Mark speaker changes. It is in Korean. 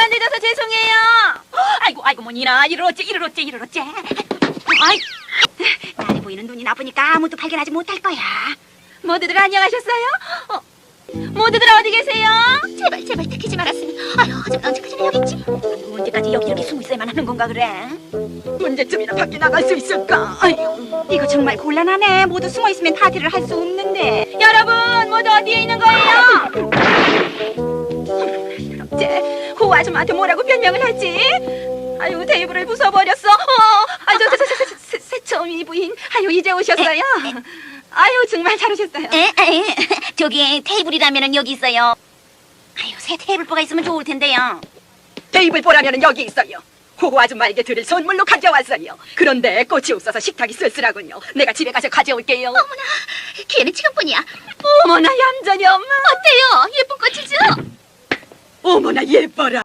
Speaker 1: 시간 늦어서 죄송해요. 아이고 뭐니나 이를 어째. 아이, 날이 보이는 눈이 나쁘니까 아무도 발견하지 못할 거야. 모두들 안녕하셨어요? 모두들 어디 계세요? 제발 들키지 말았으면. 아유, 하지만 언제까지나 여기 있지? 언제까지 여기 이렇게 숨어 있어야만 하는 건가 그래? 언제쯤이나 밖에 나갈 수 있을까? 아유, 이거 정말 곤란하네. 모두 숨어 있으면 파티를 할 수 없는데. 여러분, 모두 어디에 있는 거예요? 어째 호 아줌마한테 뭐라고 변명을 하지? 아유, 테이블을 부숴버렸어. 새처음이 부인. 아유, 이제 오셨어요. 아유, 정말 잘 오셨어요.
Speaker 2: 저기 테이블이라면은 여기 있어요. 아유, 새 테이블보가 있으면 좋을 텐데요.
Speaker 1: 테이블 보라면은 여기 있어요. 호 아줌마에게 드릴 선물로 가져왔어요. 그런데 꽃이 없어서 식탁이 쓸쓸하군요. 내가 집에 가서 가져올게요.
Speaker 2: 어머나, 기회는 지금뿐이야.
Speaker 1: 어머나, 얌전히 엄마.
Speaker 2: 어때요? 예쁜 꽃이죠?
Speaker 1: 어머나, 예뻐라.